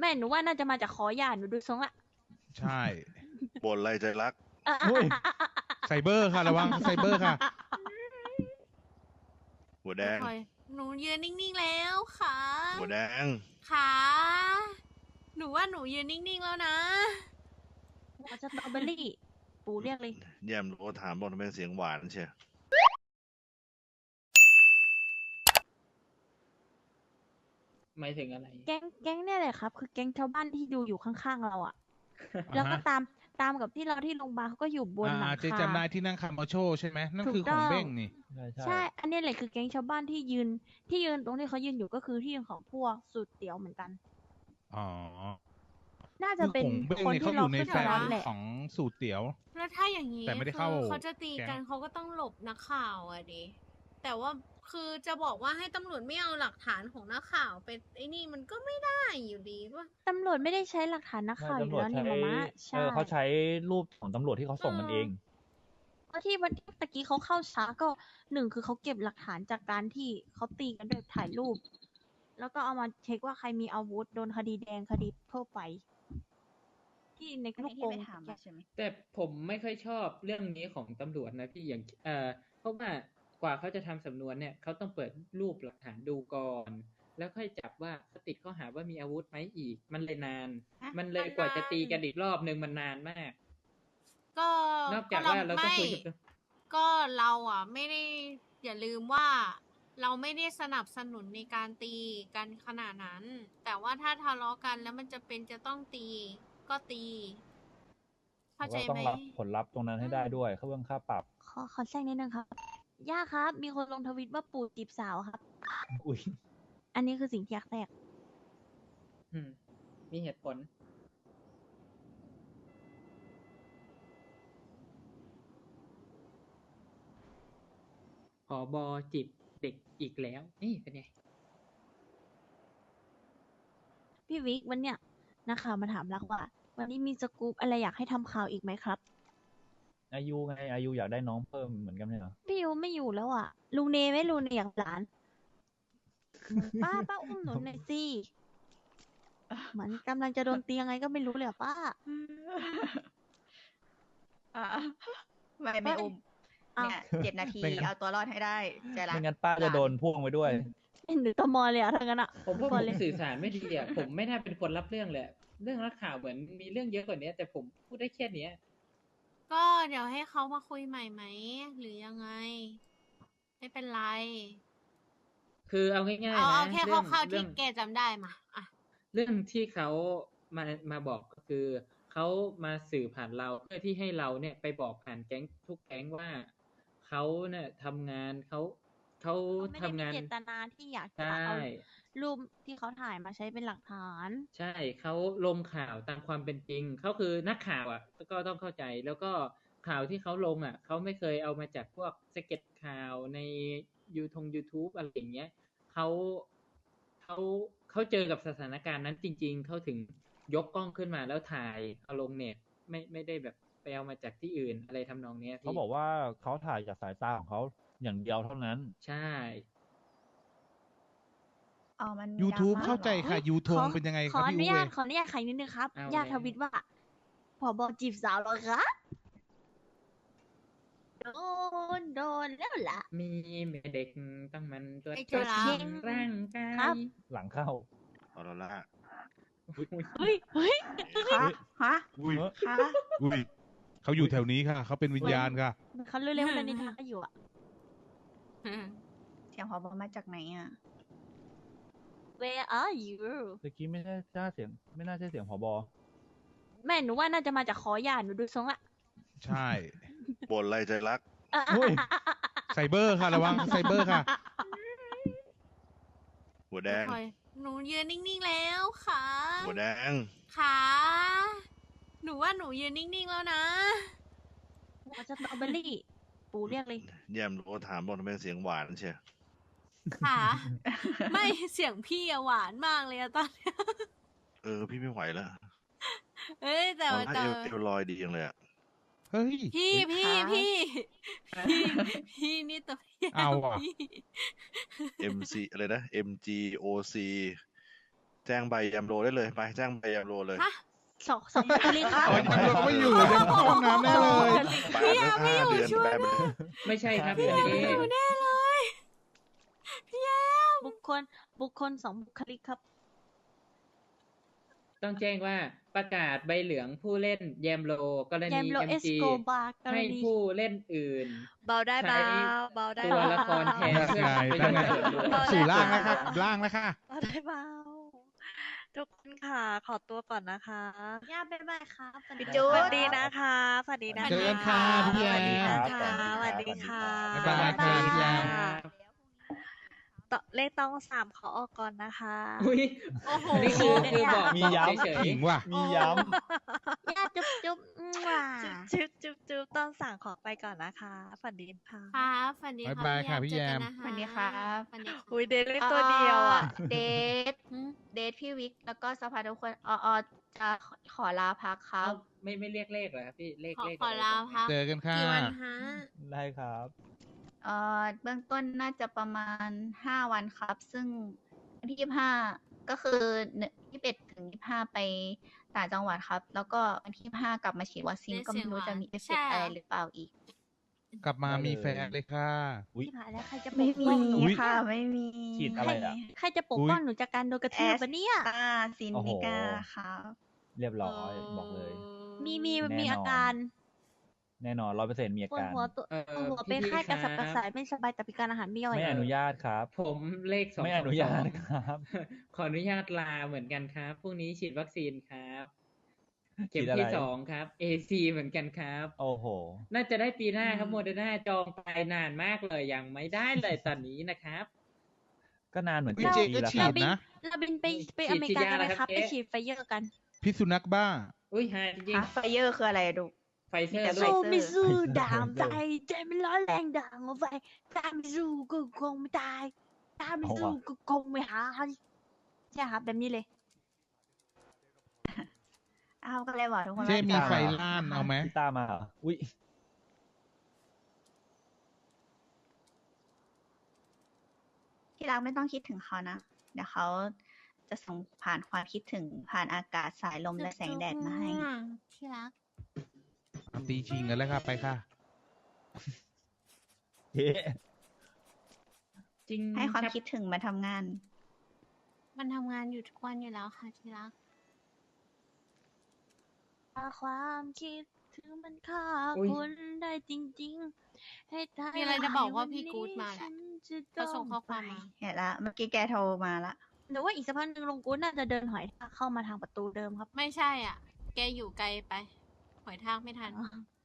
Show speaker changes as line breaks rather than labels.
แม่หนูว่าน่าจะมาจากขอหย่าหนูดูทรงละ
ใช่
บ่นอะไรใจรัก
อุ้ย ไซเบอร์ค่ะระวังไซเบอร์ค่ะ
หัวแดง
หนูยืนนิ่งๆแล้วค่ะ
หัวแดง
ค่ะหนูว่าหนูยืนนิ่งๆแล้วนะ
หัวสตรอเบอรี่ปู่เรียกเลย
แย่มโทรถามบอกทำไมเสียงหวานเชียว
หมายถึงอะไร
แก๊งเนี่ยแหละครับ คือแก๊งชาวบ้านที่ดูอยู่ข้างๆเราอะแล้วก็ตามกับที่เราที่โรงพยาบาลเขาก็อยู่บนหลัง
เจ๊
คา
จำได้ที่นั่งคาร์มาโชใช่ไหมนั่น
ถูก
คือข
ต้
อ
อง ง
เบ้งนี่
ใช่ อันนี้แหละคือแก๊งชาวบ้านที่ยืนตรงที่เขายืนอยู่ก็คือที่ยืนของพวกสูตรเตี๋ยวเหมือนกัน
อ๋อ
น่าจะเป็น
คือข
ค
อน งเบ้ง
ที่
เขาอ
เรา
ยู่ใน
ขึ้น
แฟ
มาน รับแหละ
ของสูตรเตี๋ยว
แล้วถ้าอย่างนี้
แต่ไม่ได้
คื
เข้า
อเขาจะตี
แก๊ง
กันเขาก็ต้องหลบนักข่าวอะดิแต่ว่าคือจะบอกว่าให้ตำรวจไม่เอาหลักฐานของนักข่าวไปไอ้นี่มันก็ไม่ได้อยู่ดีป่ะ
ตำรวจไม่ได้ใช้หลักฐานนักข่าวอยู่แล้วนี่มามะใช่
เขาใช้รูปของตำรวจที่เขาส่งกันเอง
เพราะที่วันที่ตะกี้เขาเข้าช้าก็หนึ่งคือเขาเก็บหลักฐานจากการที่เขาตีกันโดยถ่ายรูป แล้วก็เอามาเช็คว่าใครมีอาวุธโดนคดีแดงคดีทั่วไป ที่ในลูกโป่ง
แต่ผมไม่ค่อยชอบเรื่องนี้ของตำรวจนะพี่อย่างเพราะว่ากว่าเขาจะทำสำนวนเนี่ยเขาต้องเปิดรูปหลักฐานดูก่อน แล้วค่อยจับว่าเขาติดข้อหาว่ามีอาวุธไหมอีก มันเลยนาน มันเลยกว่าจะตีกันอีกรอบนึงมันนานมาก
ก็
นอกจากว่าเราต้องคุยกับ
ก็เราอ่ะไม่ได้อย่าลืมว่าเราไม่ได้สนับสนุนในการตีกันขนาดนั้น แต่ว่าถ้าทะเลาะกันแล้วมันจะเป็นจะต้องตีก็ตี เข้าใจ
ก็ต้อ
ไหม
งรับผลลัพธ์ตรงนั้นให้ได้ด้วยเขาเรื่องค่าปรับ
ขอแทรกนิดนึงครับ ย่าครับ มีคนลงทวิตว่าปู่จีบสาวครับ
อุ้ย
อันนี้คือสิ่งที่อยากแทรก
มีเหตุผล ผอบอจีบเด็กอีกแล้ว นี่เป็นไง
พี่วิกวันเนี้ยนักข่าวมาถามรักว่า วันนี้มีสกู๊ปอะไรอยากให้ทำข่าวอีกไหมครับ
อายุไงอายุอยากได้น้องเพิ่มเหมือนกันไหมเหรอ
พี่ยูไม่อยู่แล้วอ่ะ ลุงเนไม่ลุงเนอยากหลาน ป้าอุ้มหนูหน่อยสิเหมือนกำลังจะโดนตียังไงก็ไม่รู้เลยอะป้า
อ่าไม่อุ้ม
อ้าว
เนี่ย7 นาที
ไม่งั้น
เอาตัวรอดให้ได้ใจรัก
ไม่งั้นป้าจะโดนพ่วงไปด้วย
เป็นหรือตมเลยอะทั้งนั้นอะ
ผมว่า
พ
ผ
อ
ม
เลย
สื่อสารไม่ดีอ่ะ ผมไม่น่าเป็นคนรับเรื่องเลยอะเรื่องนักข่าวเหมือนมีเรื่องเยอะกว่านี้แต่ผมพูดได้แค่เนี้ย
ก็เดี๋ยวให้เขามาคุยใหม่ไหมหรือยังไง ไม่เป็นไร
คือเอาง่ายๆ
เอา
นะ
แค่
เรื่อง
คร่าวๆ
เรื่
ที่
อง
แกจำได้มาอ่ะ
เรื่องที่เขามาบอกก็คือเขามาสื่อผ่านเราเพื่อที่ให้เราเนี่ยไปบอกผ่านแก๊งทุกแก๊งว่าเขาเนี่ยทำงานเขา
เขาไม่ได้
ทำ
มี
งาน
เจตนาที่อยากจะ
ใช่
เอารูปที่เขาถ่ายมาใช้เป็นหลักฐาน
ใช่เขาลงข่าวตามความเป็นจริงเขาคือนักข่าวอ่ะก็ต้องเข้าใจแล้วก็ข่าวที่เขาลงอ่ะเขาไม่เคยเอามาจากพวกสเก็ตข่าวในYouTube อะไรอย่างเงี้ยเขาเขาเขาเจอกับสถานการณ์นั้นจริง ๆเขาถึงยกกล้องขึ้นมาแล้วถ่ายเอาลงเน็ตไม่ได้แบบไปเอามาจากที่อื่นอะไรทำนองเนี้ยพี่
เขาบอกว่าเขาถ่ายจากสายตาของเขาอย่างเดียวเท่านั้น
ใช่
อ๋อมันมี
YouTube
ดราม่
เข้าใจ
หรอ
ค่ะ ยูทงเป็นยังไงค
ข
รั
อบ อ
พี่
นุ
อู
ญา
เว
ตขออนุญาตไขนิดนึงครับ
เอา
ญาติ
แล้ว
ทวิตว่าผบจีบสาวเหรอคะโดนแล้วล่ะ
มีแม่เด็กต้องมันตัว
ไอ้
เจ็
จุ
บ
ฬา
ร่างกา
ครับ
ย
หลังเข้า
เอาละละ
เฮ้ย
คะฮะ
อุ้ย
คะ
อุ้ยเขาอยู่แถวนี้ค่ะ เขาเป็นวิญญาณค่ะ
เขาเร็วๆเลยนิทานก็อยู่อะ
เสียงพอบมาจากไหนอ่ะ
Where are you
เมื่อกี้ไม่น่าใช่เสียงผบ
แม่หนูว่าน่าจะมาจากขอหย่าหนูดูทรงละ
ใช่
บ่นอะไรใจรัก
อุ้ย
ไซเบอร์ค่ะระวังไซเบอร์ค่ะ
หัวแดง
หนูยืนนิ่งๆแล้วค่ะ
หัวแดง
ค่ะหนูว่าหนูยืนนิ่งๆแล้วนะ
หัวสตรอเบอรี่ปู่เรียกเลย
แย่มโทรถามบอกทำไมเสียงหวานเชียว
ค่ะ ไม่เสียงพี่อะหวานมากเลยอะตอนเนี้ย
พี่ไม่ไหวแล้ว
เอ้ยแต่
ตอน
ว่า
ถ้า
แต่
เอวลอยดีจังเลยอะ
เฮ้ย
พี่นี่ตัวพี่
เอาอะ
พี่
MC อะไรนะ MGOC แจ้จ้งใบยามโลได้เลยไปแจ้งใบยามโลเลย
ฮะ
สองบุคลิกครับ
อ๋อยังไม่อยู่ยังเข้าห้องน้ำแน่เลย
แบนไป5 เดือนแบนไปเลย
ไม่ใช่ครับ
พี่
อันนี้
อยู่แน่เลยพี่แอม
บุคคลสองบุคลิกครับ
ต้องแจ้งว่าประกาศใบเหลืองผู้เล่นแยมโลกร
แย
ณี
มโลเอส
MG
โกบาร์กร
ให้
ณี
ผู้เล่นอื่น
เบาได้
ใช้
เบาได้
ตัว
เบา
ละครแทนเพื่อประโยชน์ส่วนรวม
สู่ล่างแล้วค่ะล่างแล้วค่ะ
เบาได้เบาทุกคนค่ะ ขอตัวก่อนนะคะ
ย่าบ๊ายบายครับ
พี่จุ๊
ส
ด
วัสดีนะคะสวัสดีนะคะ
เจอกันค่ะพี่แอม
สวัสดีค่ะ
บ๊ายบายค่ะพี่แอม
ต่อเลขต้อง3ขอออกก่อนนะคะ
อุ้ย
โอ้โห
นี่คือบอก
มี
บอก
ย้ำ
เฉย
ขิงว่ะ
มีย้
ย่าจุ๊บจุ๊บว้า
จุ๊บต้องสั่งขอไปก่อนนะคะฝันดีค่ะ
ครับฝันดี
บ๊ายบายค่ะพี่แยม
เจอกันนะคะ
สวัสดีครับ
ฝันดีค่ะ
อุ้ยเดลิตัวเดียวอ่ะ
เดทพี่วิกแล้วก็สภาทุกคนจะขอลาพักค
ๆ
รับ
ไม่เรียกเลขเหรอครับพี่เลข
ขอ
เลข
ขอลาพัก
เจอกันค่ะ
กี่วันฮะ
ำได้ครับ
เบื้องต้นน่าจะประมาณ5 วันครับ ซึ่งวันที่25ก็คือ21 ถึง 25 ไปต่างจังหวัดครับ แล้วก็วันที่25กลับมาฉีดวัคซีน
ได้
ก็ไม่รู้
เสียงหวาน
จะมีเอฟเฟ
ใช่
กต์
เหรออ
อะไรหรือเปล่าอีก
กลับมามีแฟนเลยค่ะ
อุ๊ย
ที่ผ่านแล้วใครจะป
ไม่
ก
มี
ป้องหนู
ค่ะ ไม่มี
ฉีดอะไรอะ
ใครจะปกป้องหนูจากการโดนกระทืบปะเนี่ย
ซินนิก้าครับ
เรียบร้อยบอกเลย
มี
แน่นอน
มีอาการ
แน่นอน100%มีอา
ปวด
การ
หัวตัวปวดหัวเป็นไข้กระสับกระส่ายไม่สบายแต่พิการอาหารไม่ย่อย
ไม่อนุญาตครับ
ผมเลข2
ไม่อนุญาตครับ
ขออนุญาตลาเหมือนกันครับพรุ่งนี้ฉีดวัคซีนครับ เข็ม
ฉีดอะไร
ที่2ครับ AC เหมือนกันครับ
โอ้โห
น่าจะได้ปีหน้าครับโมเดอร์นาจองไปนานมากเลยยังไม่ได้เลยตอนนี้นะครับ
ก็นานเหมือน
พี่
กัน
เจ
ปี
ก็
แล้ว
ฉี
ครั
ด
บ
นะ
เราบินไป
ฉีด
อเมริกากันไหม
ฉีดยาแล้ว
ครับ
ครับ
ไป
เจ๊
ฉีดไฟเยอร์กัน
พิษสุนัขบ้า
อุ้ยหาจริง
ไฟเยอร์คืออะไรอะดู
ไฟเซอ
มีแต่
ร์
ไฟ
ลู
สู้
ก
ไม่สู้ด่างใจใจไม่ร้อนแรงด่างเอาไว้ตามไม่สู้ก็คงไม่ตายตามไม่สู้ก็คงไม่หายใช่ครับแบบนี้เลย
อ้าวก็เลยบอกทุกคน
เจ๊
ว่า
มี
จะ
ไฟล้านเอาไหม
พี่ต้ามาเหรอ อุ้ย
ที่รักไม่ต้องคิดถึงเขานะ เดี๋ยวเขาจะส่งผ่านความคิดถึงผ่านอากาศสายลมและแสงแดดมาให้
ที่รัก
ตีชิงกันแล้วค่ะไปค่ะ
เฮ้
จริง
ให้ความ
รับ
คิดถึงมาทำงาน
มันทำงานอยู่ทุกวันอยู่แล้วค่ะที่รัก
ถ้าความคิดถึงมันฆ่า
อุ๊ย
คนได้จริง ๆ ให้ตาย
มีอะไรจะบอกว่าพี่กู๊ดมาแหละ
ฉันจะ
เขาส่งข้อความ
ไป
มา
เห็นละเมื่อกี้แกโทรมาละ
แต่ว่าอีกสักพักหนึ่งลงกู๊ดน่าจะเดินหอยทากเข้ามาทางประตูเดิมครับ
ไม่ใช่อ่ะ แกอยู่ไกลไป หอยทากไม่ทัน